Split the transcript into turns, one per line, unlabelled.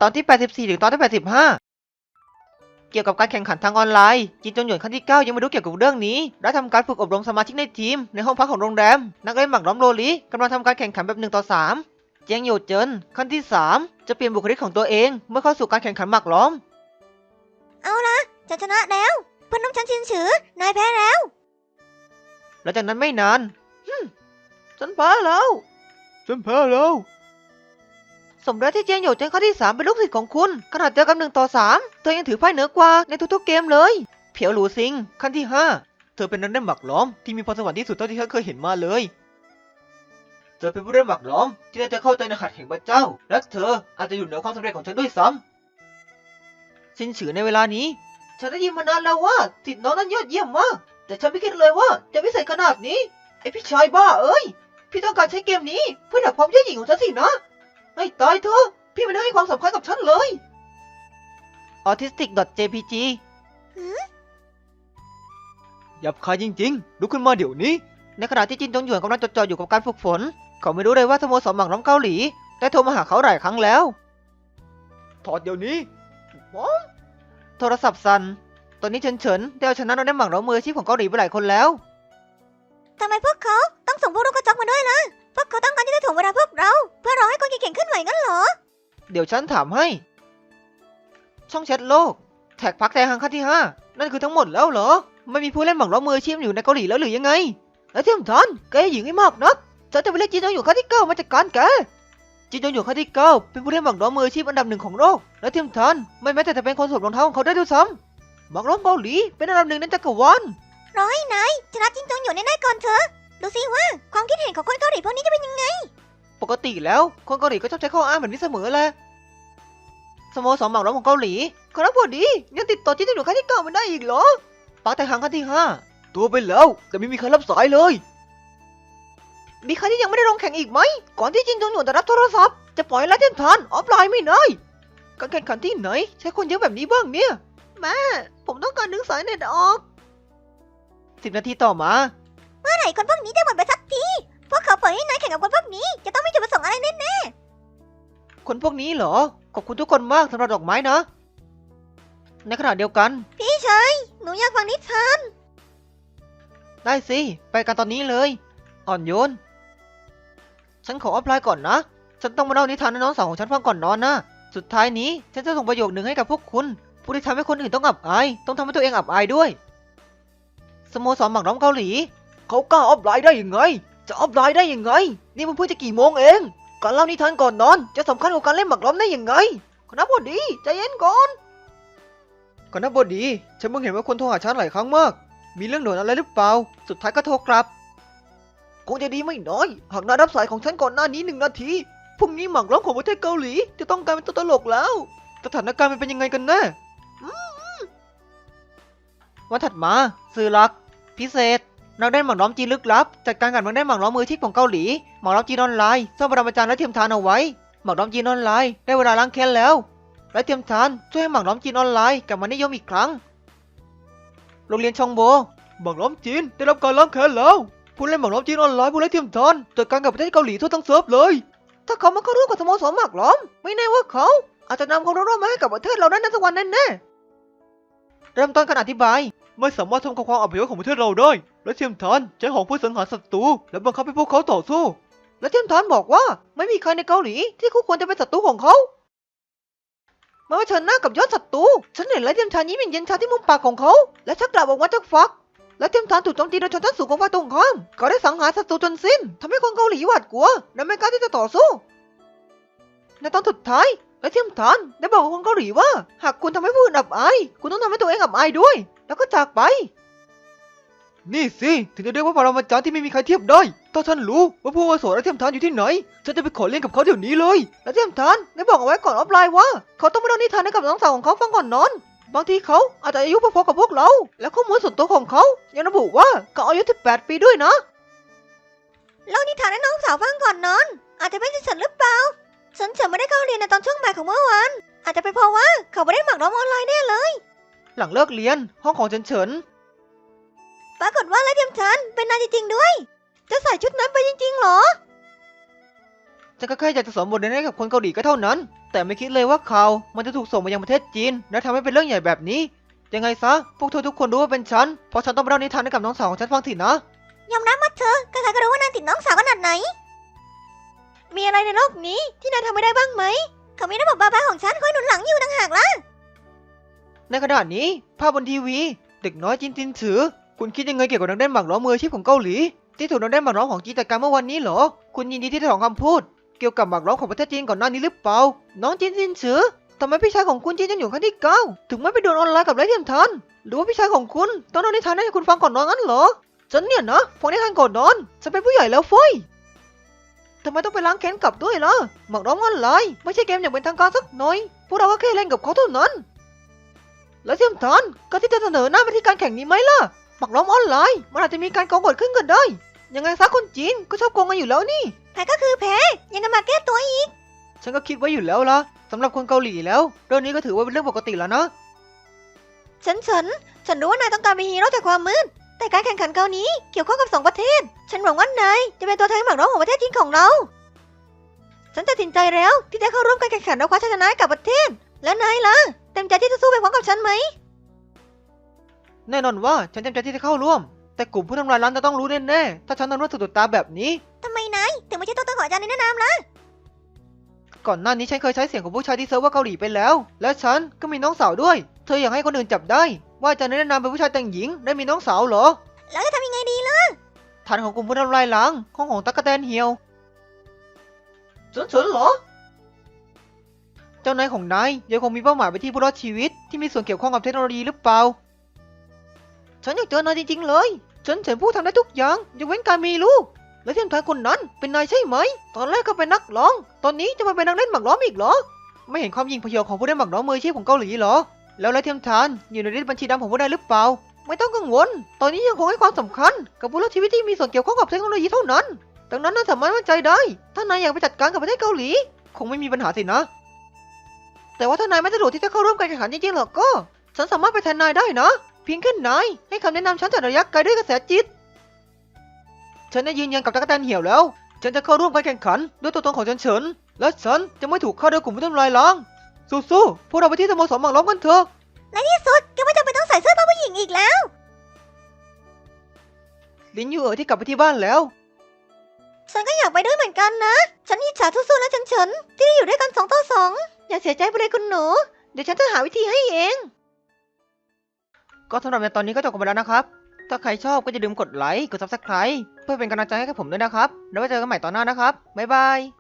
อนที่84ถึงตอนที่85เกี่ยวกับการแข่งขันทางออนไลน์จินจงหยวนขั้นที่9ยังไม่รู้เกี่ยวกับเรื่องนี้และทำการฝึกอบรมสมาชิกในทีมในห้องพักของโรงแรมนักเล่นหมากล้อมโรลีกำลังทำการแข่งขันแบบ1 ต่อ 3เจียงโยเจินขั้นที่3จะเปลี่ยนบุคลิกของตัวเองเมื่อเข้าสู่การแข่งขันหมากล้อม
เอาละฉันชนะแล้วเพื่อนร่วมชั้นชินฉือนายแพ้แล้ว
หลังจากนั้นไม่นานฉันแพ้แล้วสมแล้วที่เจียงโยเจินขั้นที่3เป็นลูกศิษย์ของคุณขนาดเจอกัน1 ต่อ 3เธอยังถือไพ่เหนือกว่าในทุกๆเกมเลยเพียวหลูซิงขั้นที่5เธอเป็นนักเล่นหมากล้อมที่มีพรสวรรค์ที่สุดเท่าที่ฉันเคยเห็นมาเลยเธอเป็นผู้เล่นหมากล้อมที่น่าจะเข้าใจในหัตถ์แห่งพระเจ้าและเธออาจจะอยู่เหนือความสำเร็จของฉันด้วยซ้ำซินฉือในเวลานี้ฉันได้ยินมานานแล้วว่าศิษย์น้องนั้นยอดเยี่ยมมากแต่ฉันไม่คิดเลยว่าจะพิเศษขนาดนี้ไอพี่ชายบ้าเอ้ยพี่ต้องการใช้เกมนี้เพื่อดับความเย่อหยิ่งของฉันสินะให้ตายเถอะพี่ไม่ได้ให้ความสำคัญกับฉันเลย autistic.jpg หยับคายจริงๆลุกขึ้นมาเดี๋ยวนี้ในขณะที่จินจงหยวนกำลังจดจ่ออยู่กับการฝึกฝนเขาไม่รู้เลยว่าสโมสรหมากล้อมเกาหลีได้โทรมาหาเขาหลายครั้งแล้วถอดเดี๋ยวนี้โทรศัพท์สั่นตอนนี้เฉินได้เอาชนะนักเล่นหมากล้อมมืออาชีพของเกาหลีไปหลายคนแล้ว
ทำไมพวกเขาต้องส่งพวกลูกกระจอกมาด้วยล่ะพวกเขาต้องการที่จะถ่วงเวลาพวกเราเพื่อรอให้คนเก่งๆขึ้นไหวงั้นเหรอ
เดี๋ยวฉันถามให้ช่องแชทโลกแท็กพักแทฮังขั้นที่5นั่นคือทั้งหมดแล้วเหรอไม่มีผู้เล่นหมากล้อมมืออาชีพอยู่ในเกาหลีแล้วหรือยังไงแล้วที่สำคัญแกหญิงให้มากนักฉันจะไปเรียกจินจงหยวนขั้นที่9มาจัดการแกจินจงหยวนขั้นที่9เป็นผู้เล่นหมากล้อมมืออาชีพอันดับ1ของโลกและที่สำคัญไม่แม้แต่จะเป็นคนสวมรองเท้าของเขาได้ด้วยซ้ำหมากล้อมเกาหลีเป็นอันดับ1ในจักรวาล
รอให้นายชนะจินจงหยวนได้ก่อนเถอะดูสิว่าความคิดเห็นของคนเกาหลีพวกนี้จะเป็นยังไง
ปกติแล้วคนเกาหลีก็ชอบใช้ข้ออ้างแบบนี้เสมอแหละสโมสรหมากล้อมของเกาหลีคณะพอดียังติดต่อจินจงหยวนขั้นที่9ไม่ได้อีกเหรอปักแต่ฮังขั้นที่5ตัวไปแล้วแต่ไม่มีใครรับสายเลยมีใครที่ยังไม่ได้ลงแข่งอีกไหมก่อนที่จินจงหยวนจะรับโทรศัพท์จะปล่อยไล่เทียนทานออฟไลน์ไม่ได้การแข่งขันที่ไหนใช้คนเยอะแบบนี้บ้างเนี่ยแม่ผมต้องการดึงสายเน็ตออก10 นาทีต่อมา
เมื่อไหร่คนพวกนี้จะหมดไปสักทีพวกเขาปล่อยให้นายแข่งกับคนพวกนี้จะต้องมีจุดประสงค์อะไรแน่
คนพวกนี้เหรอขอบคุณทุกคนมากสำหรับดอกไม้นะในขณะเดียวกัน
ๆพี่ชายหนูอยากฟังนิทาน
ได้สิไปกันตอนนี้เลยอ่อนโยนฉันขอออฟไลน์ก่อนนะฉันต้องมาเล่านิทานให้น้องสาวของฉันฟังก่อนนอนนะสุดท้ายนี้ฉันจะส่งประโยคหนึ่งให้กับพวกคุณผู้ที่ทำให้คนอื่นต้องอับอายต้องทำให้ตัวเองอับอายด้วยสโมสรหมากล้อมเกาหลีเขากล้าออฟไลน์ได้ยังไงจะออฟไลน์ได้ยังไงนี่มันเพิ่งจะกี่โมงเองการเล่านิทานก่อนนอนจะสำคัญกว่าการเล่นหมากล้อมได้ยังไงคณะบดีใจเย็นก่อนคณะบดีฉันเพิ่งเห็นว่าคนโทรหาฉันหลายครั้งมากมีเรื่องด่วนอะไรหรือเปล่าสุดท้ายก็โทรกลับคงจะดีไม่น้อยหากนายรับสายของฉันก่อนหน้านี้1 นาทีพรุ่งนี้หมากล้อมของประเทศเกาหลีจะต้องกลายเป็นตัวตลกแล้วสถานการณ์มันเป็นยังไงกันแน่วันถัดมาสื่อหลักพิเศษนักเล่นหมากล้อมจีนลึกลับจัดการกับนักเล่นหมากล้อมมืออาชีพของเกาหลีหมากล้อมจีนออนไลน์สร้างปรมาจารย์และเทียมทานเอาไว้หมากล้อมจีนออนไลน์ได้เวลาล้างแค้นแล้วและเทียมทานช่วยให้หมากล้อมจีนออนไลน์กลับมานิยมอีกครั้งโรงเรียนชองโบหมากล้อมจีนได้รับการล้างแค้นแล้วผู้เล่นหมากล้อมจีนออนไลน์ผู้เล่นเทียมทานจัดการกับประเทศเกาหลีทั่วทั้งเซิร์ฟเลยถ้าเขามาเข้าร่วมกับสโมสรหมากล้อมไม่แน่ว่าเขาอาจจะนำความรู้มาให้กับประเทศเราได้ในสักวันแน่ๆเริ่มต้นการอธิบายไม่สามารถทำความอับยศของประเทศเราได้และเทียมทานใช้หอกเพื่อสังหารศัตรูและบังคับให้พวกเขาต่อสู้และเทียมทานบอกว่าไม่มีใครในเกาหลีที่คู่ควรจะเป็นศัตรูของเขาเมื่อเผชิญหน้ากับยอดศัตรูฉันเห็นและเทียมทานยิ้มอย่างเย็นชาที่มุมปากของเขาและชักดาบออกมาจากฝักและเทียมทานถูกโจมตีโดยชนชั้นสูงของฝ่ายตรงข้ามเขาได้สังหารศัตรูจนสิ้นทำให้คนเกาหลีหวาดกลัวและไม่กล้าที่จะต่อสู้ในตอนสุดท้ายและเทียมทานได้บอกกับคนเกาหลีว่าหากคุณทำให้ผู้อื่นอับอายคุณต้องทำให้ตัวเองอับอายด้วยแล้วก็จากไปนี่สิถึงจะเรียกว่าปรมาจารย์ที่ไม่มีใครเทียบได้ถ้าฉันรู้ว่าผู้อาวุโสและเทียมทานอยู่ที่ไหนฉันจะไปขอเรียนกับเขาเดี๋ยวนี้เลยและเทียมทานได้บอกเอาไว้ก่อนออฟไลน์ว่าเขาต้องไปเล่านิทานให้กับน้องสาวของเขาฟังก่อนนอนบางทีเขาอาจจะอายุพอๆกับพวกเราและข้อมูลส่วนตัวของเขายังระบุว่าเขาอายุ18 ปีด้วยนะ
เล่านิทานให้น้องสาวฟังก่อนนอนอาจจะเป็นฉันหรือเปล่าฉันไม่ได้เข้าเรียนในตอนช่วงบ่ายของเมื่อวานอาจจะเป็นเพราะว่าเขาไม่ได้หมากล้อมออนไลน์แน่เลย
หลังเลิกเรียนห้องของเฉิน
ปรากฏว่าและเทียมฉันเป็นนายจริงๆด้วยจะใส่ชุดนั้นไปจริงๆหรอ
ฉันก็แค่อยากจะสอนบทเรียนให้กับคนเกาหลีก็เท่านั้นแต่ไม่คิดเลยว่าข่าวมันจะถูกส่งมายังประเทศจีนและทำให้เป็นเรื่องใหญ่แบบนี้ยังไงซะพวกเธอทุกคนรู้ว่าเป็นฉันเพราะฉันต้องไปเล่านิทานให้กับน้องสาวของฉันฟังทีนะ
ยอมรับว่าเธอใครๆก็รู้ว่านายติดน้องสาวขนาดไหน มีอะไรในโลกนี้ที่นายทำไม่ได้บ้างไหม เขามีระบบบ้าๆของฉันคอยหนุนหลังอยู่ต่างหากล่ะ
ในขณะนี้ภาพบนทีวีเด็กน้อยจินจินฉือคุณคิดยังไงเกี่ยวกับนักเต้นหมากล้อมมืออาชีพของเกาหลีที่ถูกนักเต้นหมากล้อมของจีนจัดการเมื่อวันนี้เหรอคุณยินดีที่ได้ถอนคำพูดเกี่ยวกับหมากล้อมของประเทศจีนก่อนหน้านี้หรือเปล่าน้องจินจินฉือทำไมพี่ชายของคุณจีนยังอยู่ขั้นที่เก้าถึงไม่ไปโดนออนไลน์กับไร้เทียมทานหรือว่าพี่ชายของคุณต้องเล่านิทานให้คุณฟังก่อนนอนงั้นเหรอฉันเนี่ยนะฟังนิทานก่อนนอนฉันเป็นผู้ใหญ่แล้วเฟ้ยทำไมต้องไปล้างแค้นกลับด้วยล่ะหมากล้อมออนไลน์ไม่ใช่เกมอย่างเป็นทางการสักหน่อยพวกเราก็แค่เล่นกับเขาเท่านั้น แล้วเทียมทานก็ที่จะเสนอหน้าไปที่การแข่งนี้ไหมล่ะหมักล้อมออนไลน์มันอาจจะมีการโกงเกิดขึ้นก็ได้ยังไงซะคนจีนก็ชอบโกงกันอยู่แล้วนี่
แพ้ก็คือแพ้ ยังจะมาแก้ตัวอีก
ฉันก็คิดไว้อยู่แล้วล่ะสำหรับคนเกาหลีแล้วเรื่องนี้ก็ถือว่าเป็นเรื่องปกติแล้วนะ
ฉันรู้ว่านายต้องการเป็นฮีโร่จากความมืด แต่การแข่งขันคราวนี้เกี่ยวข้องกับสองประเทศ ฉันหวังว่านายจะเป็นตัวแทนหมากร้องของประเทศจีนของเรา ฉันตัดสินใจแล้วที่จะเข้าร่วมการแข่งขันและคว้าชัยชนะให้กับประเทศ และนายล่ะ เต็มใจที่จะสู้ไปพร้อมกับฉันไหม
แน่นอนว่าฉันเต็มใจที่จะเข้าร่วมแต่กลุ่มผู้ทำลายล้างจะต้องรู้แน่ๆถ้าฉันทำเรื่องสุดตาแบบนี้
ทำไมนายถึงไม่ใช่ตัวตนของอาจารย์ในแนะนำล่ะ
ก่อนหน้านี้ฉันเคยใช้เสียงของผู้ชายที่เซิร์ฟเวอร์เกาหลีไปแล้ว และฉันก็มีน้องสาวด้วยเธออยากให้คนอื่นจับได้ว่าอาจารย์แนะนำเป็นผู้ชายแต่งหญิงได้มีน้องสาวเหรอ
แล้วจะทำยังไงดีล่ะ
ฐานของกลุ่มผู้ทำลายล้างห้องของตั๊กแตนเหี่ยวฉันเหรอ เจ้านายของนายยังคงมีเป้าหมายไปที่ผู้รอดชีวิตที่มีส่วนเกี่ยวข้องกับเทคโนโลยีหรือเปล่า ฉันอยากเจอนายจริงๆเลย ฉันเห็นผู้ทำได้ทุกอย่างยกเว้นการมีลูก และเทียมทานคนนั้นเป็นนายใช่ไหม ตอนแรกก็เป็นนักร้อง ตอนนี้จะมาเป็นนักเล่นหมากล้อมอีกเหรอ ไม่เห็นความยิ่งพยองของผู้เล่นหมากล้อมมืออาชีพของเกาหลีเหรอ แล้วและเทียมทานอยู่ในลิสต์บัญชีดำของผู้ได้หรือเปล่า ไม่ต้องกังวล ตอนนี้ยังคงให้ความสำคัญกับผู้รอดชีวิตที่มีส่วนเกี่ยวข้องกับเทคโนโลยีเท่านั้น ดังนั้นนายสามารถมั่นใจได้ ถ้านายอยากไปจัดการกับประเทศเกาหลี คงไม่มีปัญหาสินะ แต่ว่าถ้านายไม่สะดวกที่จะเข้าร่วมการแข่งขันจริงๆหรอกก็ ฉันสามารถไปแทนนายได้นะ เพียงแค่นายให้คำแนะนำฉันจากระยะไกลด้วยกระแสจิต ฉันได้ยืนยันกับตั๊กแตนเหี่ยวแล้ว ฉันจะเข้าร่วมการแข่งขันด้วยตัวตนของฉันเฉิน และฉันจะไม่ถูกฆ่าโดยกลุ่มผู้ทำลายล้าง สู้ๆพวกเราไปที่สโมสรหมากล้อมกันเถอะ
ในที่สุดก็ไม่จำเป็นต้องใส่เสื้อผ้าผู้หญิงอีกแล้ว
ลินยูที่กลับไปที่บ้านแล้ว
ฉันก็อยากไปด้วยเหมือนกันนะ ฉันอิจฉาสู้ๆและฉันที่ได้อยู่ด้วยกัน2 ต่อ 2อย่าเสียใจไปเลยคุณหนู เดี๋ยวฉันจะหาวิธีให้เอง
ก็สำหรับในตอนนี้ก็จบกันไปแล้วนะครับ ถ้าใครชอบก็อย่าลืมกดไลค์ กด Subscribe เพื่อเป็นกำลังใจให้กับผมด้วยนะครับ แล้วไว้เจอกันใหม่ตอนหน้านะครับ บ๊ายบาย